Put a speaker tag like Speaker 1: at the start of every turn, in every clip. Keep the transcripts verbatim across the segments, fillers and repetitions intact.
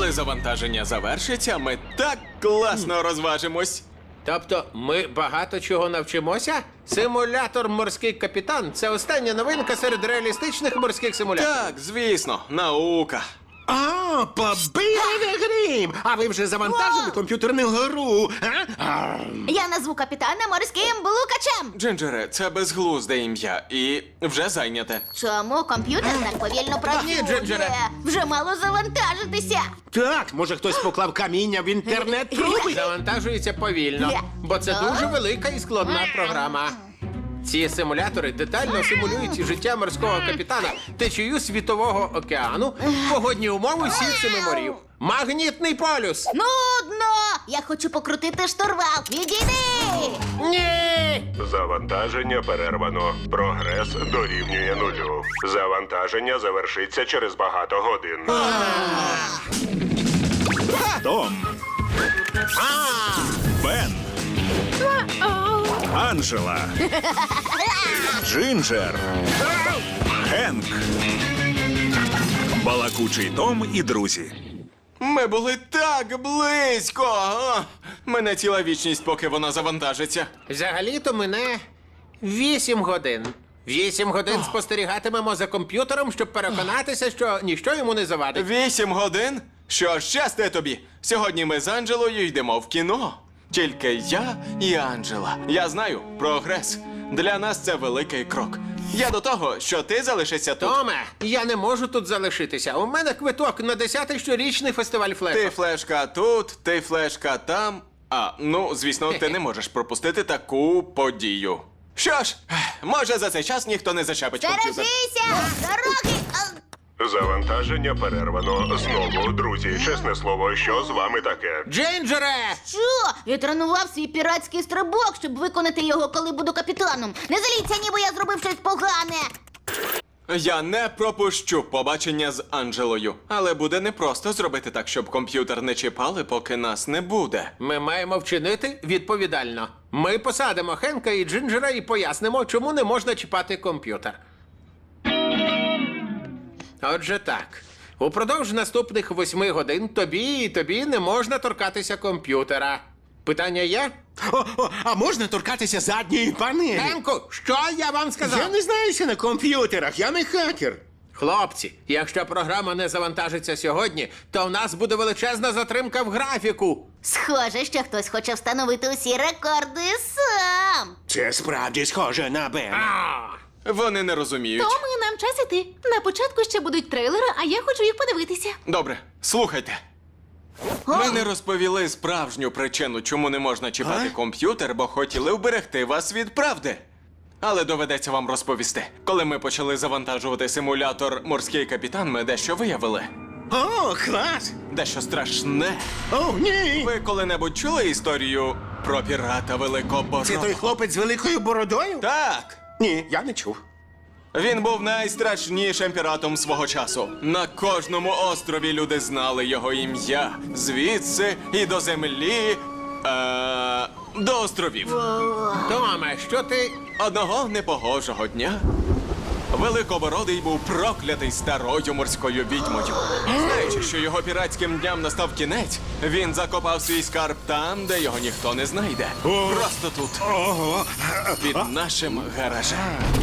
Speaker 1: Коли завантаження завершиться, ми так класно розважимось.
Speaker 2: Тобто ми багато чого навчимося? Симулятор «Морський капітан» – це остання новинка серед реалістичних морських симуляторів.
Speaker 1: Так, звісно, наука.
Speaker 3: А, побили грім! А ви вже завантажили комп'ютерну гру? А? А,
Speaker 4: Я назву капітана морським блукачем.
Speaker 1: Джинджере, це безглузде ім'я і вже зайняте.
Speaker 4: Чому комп'ютер так повільно
Speaker 2: Ні,
Speaker 4: працює?
Speaker 2: Джинджере.
Speaker 4: Вже мало завантажитися.
Speaker 3: Так, може хтось поклав каміння в інтернет-труби?
Speaker 2: Завантажується повільно, бо це дуже велика і складна програма. Ці симулятори детально симулюють життя морського капітана, течію світового океану, погодні умови сіл семи морів. Магнітний полюс!
Speaker 4: Нудно! Я хочу покрутити штурвал. Відійди!
Speaker 2: Ні!
Speaker 5: Завантаження перервано. Прогрес дорівнює нулю. Завантаження завершиться через багато годин.
Speaker 6: Том. Бен. Анжела. Джинджер. Генк. Балакучий Том і друзі.
Speaker 1: Ми були так близько. А! Мене ціла вічність, поки вона завантажиться.
Speaker 2: Взагалі-то мене вісім годин. Вісім годин спостерігатимемо за комп'ютером, щоб переконатися, що ніщо йому не завадить.
Speaker 1: Вісім годин? Що ж, щасти тобі. Сьогодні ми з Анджелою йдемо в кіно. Тільки я і Анджела. Я знаю, прогрес. Для нас це великий крок. Я до того, що ти залишишся тут.
Speaker 2: Томе, я не можу тут залишитися. У мене квиток на десятий щорічний фестиваль
Speaker 1: Ти
Speaker 2: флешок.
Speaker 1: флешка тут, ти флешка там. А, ну, звісно, ти не можеш пропустити таку подію. Що ж, може за цей час ніхто не зачепить комп'ютер.
Speaker 4: Стережися! Дороги! А,
Speaker 5: Завантаження перервано. Знову, друзі, чесне слово, що з вами таке?
Speaker 2: Джинджере!
Speaker 4: Що? Я тренував свій піратський стрибок, щоб виконати його, коли буду капітаном. Не заліться, ніби я зробив щось погане.
Speaker 1: Я не пропущу побачення з Анджелою. Але буде непросто зробити так, щоб комп'ютер не чіпали, поки нас не буде.
Speaker 2: Ми маємо вчинити відповідально. Ми посадимо Хенка і Джинджера і пояснимо, чому не можна чіпати комп'ютер. Отже так. Упродовж наступних восьми годин тобі і тобі не можна торкатися комп'ютера. Питання є?
Speaker 3: О, о, а можна торкатися задньої панелі?
Speaker 2: Хенку, що я вам сказав?
Speaker 3: Я не знаюся на комп'ютерах, я не хакер.
Speaker 2: Хлопці, якщо програма не завантажиться сьогодні, то в нас буде величезна затримка в графіку.
Speaker 4: Схоже, що хтось хоче встановити усі рекорди сам.
Speaker 3: Це справді схоже на Бена.
Speaker 1: Вони не розуміють.
Speaker 7: Тому нам час іти. На початку ще будуть трейлери, а я хочу їх подивитися.
Speaker 1: Добре, слухайте. Ми не розповіли справжню причину, чому не можна чіпати комп'ютер, бо хотіли вберегти вас від правди. Але доведеться вам розповісти. Коли ми почали завантажувати симулятор «Морський капітан», ми дещо виявили.
Speaker 3: О, клас!
Speaker 1: Дещо страшне.
Speaker 3: О, ні!
Speaker 1: Ви коли-небудь чули історію про пірата Великобородого?
Speaker 3: Це той хлопець з великою бородою?
Speaker 1: Так.
Speaker 3: Ні, я не чув.
Speaker 1: Він був найстрашнішим піратом свого часу. На кожному острові люди знали його ім'я. Звідси і до землі. Е, до островів.
Speaker 2: Томе, що ти...
Speaker 1: Одного непогожого дня Великобородий був проклятий старою морською відьмою. Знаючи, що його піратським дням настав кінець, він закопав свій скарб там, де його ніхто не знайде. Просто тут.
Speaker 3: Ого!
Speaker 1: Під нашим гаражем.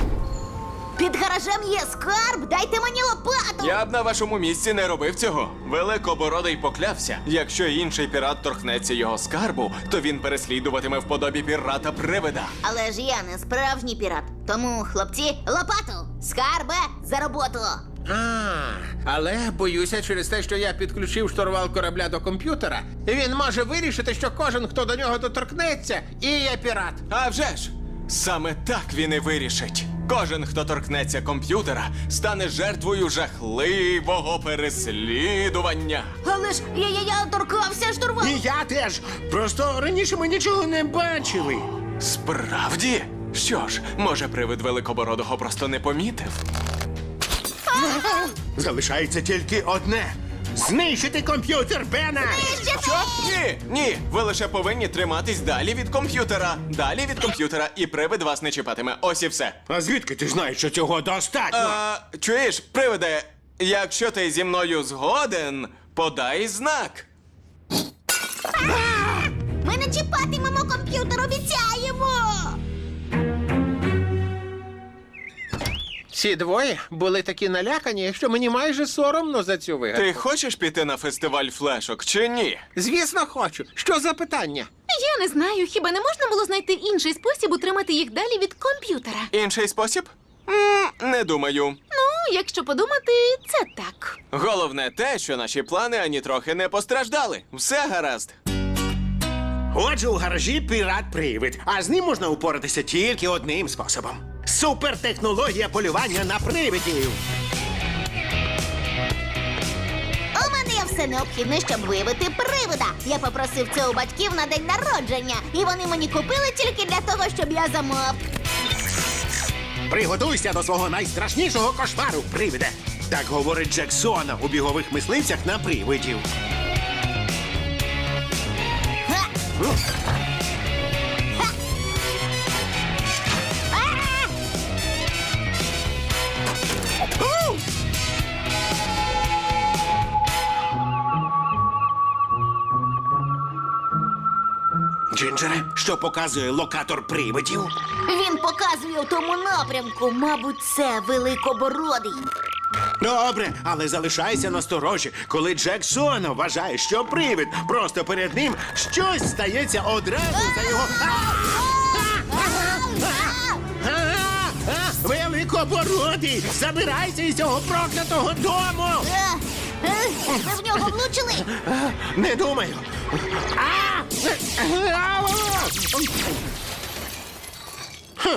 Speaker 4: Під гаражем є скарб, дайте мені лопату.
Speaker 1: Я б на вашому місці не робив цього. Великобородий поклявся. Якщо інший пірат торкнеться його скарбу, то він переслідуватиме в подобі пірата-привида.
Speaker 4: Але ж я не справжній пірат. Тому, хлопці, лопату! Скарбе, за роботу!
Speaker 2: А, але боюся, через те, що я підключив штурвал корабля до комп'ютера, він може вирішити, що кожен, хто до нього доторкнеться, і є пірат.
Speaker 1: А вже ж! Саме так він і вирішить. Кожен, хто торкнеться комп'ютера, стане жертвою жахливого переслідування.
Speaker 4: Але ж я, я, я торкався штурвалу.
Speaker 3: І я теж. Просто раніше ми нічого не бачили.
Speaker 1: Справді? Що ж, може, привид Великобородого просто не помітив?
Speaker 3: Залишається тільки одне. Знищити комп'ютер Бена!
Speaker 1: Що? Ні, ні, ви лише повинні триматись далі від комп'ютера. Далі від комп'ютера, і привид вас не чіпатиме. Ось і все.
Speaker 3: А звідки ти знаєш, що цього достатньо?
Speaker 1: А, чуєш, привиде, якщо ти зі мною згоден, Подай знак.
Speaker 4: Ми не чіпатимемо комп'ютер, обіцяємо!
Speaker 2: Ці двоє були такі налякані, що мені майже соромно за цю вигадку.
Speaker 1: Ти хочеш піти на фестиваль флешок чи ні?
Speaker 2: Звісно, хочу. Що за питання?
Speaker 7: Я не знаю, хіба не можна було знайти інший спосіб утримати їх далі від комп'ютера?
Speaker 1: Інший спосіб? М, не думаю.
Speaker 7: Ну, якщо подумати, це так.
Speaker 1: Головне те, що наші плани ані трохи не постраждали. Все гаразд.
Speaker 3: Отже, у гаражі пірат-привид, а з ним можна упоратися тільки одним способом. Супертехнологія полювання на привидів.
Speaker 4: У мене є все необхідне, щоб виявити привида. Я попросив це у батьків на день народження, і вони мені купили тільки для того, щоб я замов.
Speaker 3: Приготуйся до свого найстрашнішого кошмару, привиде. Так говорить Джексона у бігових мисливцях на привидів.
Speaker 4: Ха! Ха! А! У!
Speaker 3: Джинджере, що показує локатор привидів?
Speaker 4: Він показує в тому напрямку. Мабуть, це великобородий.
Speaker 3: Добре, але залишайся насторожі, коли Джексона вважає, що привид просто перед ним щось стається одразу за його. Великобородий! Забирайся із цього проклятого дому!
Speaker 4: Е, е, Ви в нього влучили?
Speaker 3: Не думаю. А! Хм.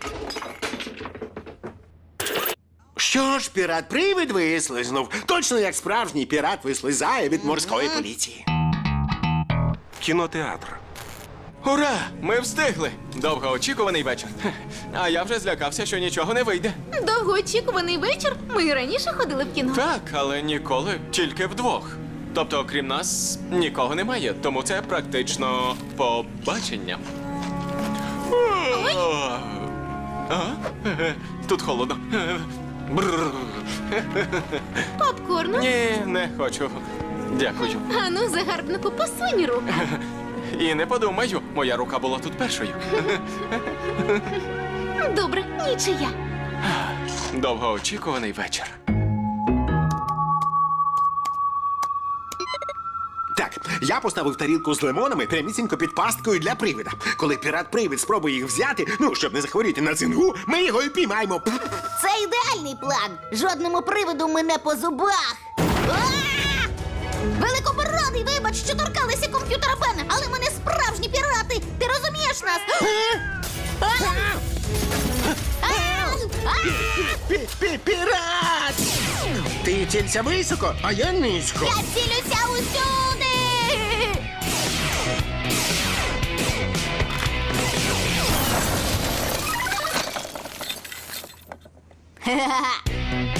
Speaker 3: Що ж, пірат-привид вислизнув. Точно як справжній пірат вислизає від морської поліції.
Speaker 6: Кінотеатр.
Speaker 1: Ура! Ми встигли! Довгоочікуваний вечір. Хе. А я вже злякався, що нічого не вийде.
Speaker 7: Довгоочікуваний вечір. Ми і раніше ходили в кіно.
Speaker 1: Так, але ніколи тільки вдвох. Тобто, окрім нас, нікого немає, тому це практично побачення. А? Е, Тут холодно. Е, бррр.
Speaker 7: Попкорну.
Speaker 1: Ні, не хочу. Дякую.
Speaker 7: Ану, загарбнику, посунь руку.
Speaker 1: І не подумаю, моя рука була тут першою.
Speaker 7: Добре, нічия.
Speaker 1: Довгоочікуваний вечір.
Speaker 3: Так, я поставив тарілку з лимонами прямісінько під пасткою для привида. Коли пірат-привид спробує їх взяти, ну, щоб не захворіти на цингу, ми його і піймаємо.
Speaker 4: Це ідеальний план. Жодному привиду ми не по зубах. А! Великобородий, вибач, що торкалися комп'ютера Бена, але ми не справжні пірати. Ти розумієш нас? А! А! А!
Speaker 3: Пі-пі-пірат! Ти цілься високо, а я низько.
Speaker 4: Я цілюся усюди! Ха-ха-ха.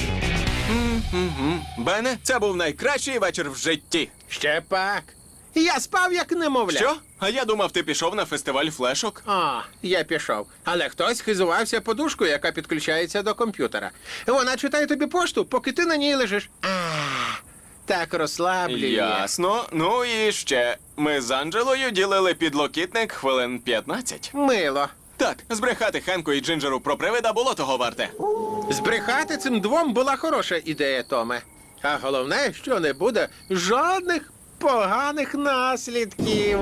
Speaker 1: Бене, це був найкращий вечір в житті.
Speaker 2: Ще пак. Я спав як немовля.
Speaker 1: Що? А я думав, ти пішов на фестиваль флешок.
Speaker 2: А, я пішов. Але хтось хизувався подушкою, яка підключається до комп'ютера. Вона читає тобі пошту, поки ти на ній лежиш. А, так розслаблює.
Speaker 1: Ясно. Ну і ще. Ми з Анджелою ділили підлокітник хвилин п'ятнадцять.
Speaker 2: Мило.
Speaker 1: Так, збрехати Хенку і Джинджеру про привида було того варте.
Speaker 2: Збрехати цим двом була хороша ідея, Томе. А головне, що не буде жодних поганих наслідків.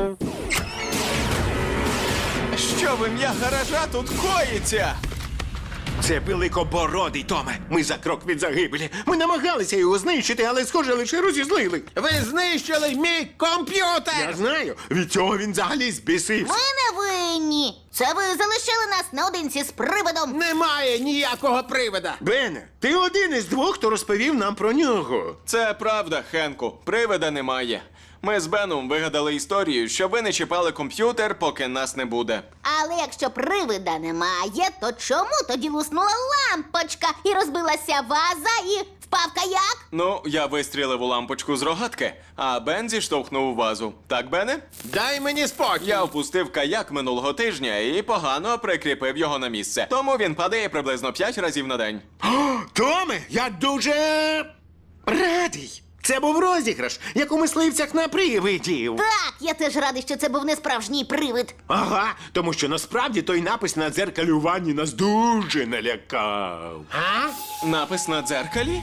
Speaker 1: Що в ім'я гаража тут коїться?
Speaker 3: Це великобородий, Томе. Ми за крок від загибелі. Ми намагалися його знищити, але, схоже, лише розізлили.
Speaker 2: Ви знищили мій комп'ютер!
Speaker 3: Я знаю, від цього він взагалі збісився.
Speaker 4: Ми не винні. Це ви залишили нас наодинці з привидом.
Speaker 2: Немає ніякого привида.
Speaker 3: Бене, ти один із двох, хто розповів нам про нього.
Speaker 1: Це правда, Хенку. Привида немає. Ми з Беном вигадали історію, що ви не чіпали комп'ютер, поки нас не буде.
Speaker 4: Але якщо привида немає, то чому тоді луснула лампочка і розбилася ваза і впав каяк?
Speaker 1: Ну, я вистрілив у лампочку з рогатки, а Бен зіштовхнув вазу. Так, Бене?
Speaker 2: Дай мені спокій.
Speaker 1: Я впустив каяк минулого тижня і погано прикріпив його на місце. Тому він падає приблизно п'ять разів на день.
Speaker 3: Томе, я дуже радий. Це був розіграш, як у мисливцях на привидів.
Speaker 4: Так, я теж радий, що це був не справжній привид.
Speaker 3: Ага, тому що насправді той напис на дзеркалі у ванні нас дуже налякав.
Speaker 2: А?
Speaker 1: Напис на дзеркалі?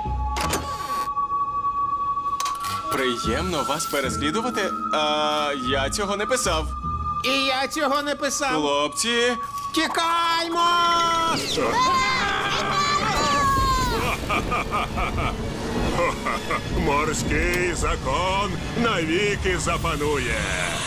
Speaker 1: Приємно вас переслідувати. А я цього не писав.
Speaker 2: І я цього не писав.
Speaker 1: Хлопці,
Speaker 2: Тікаймо!
Speaker 5: Морський закон навіки запанує.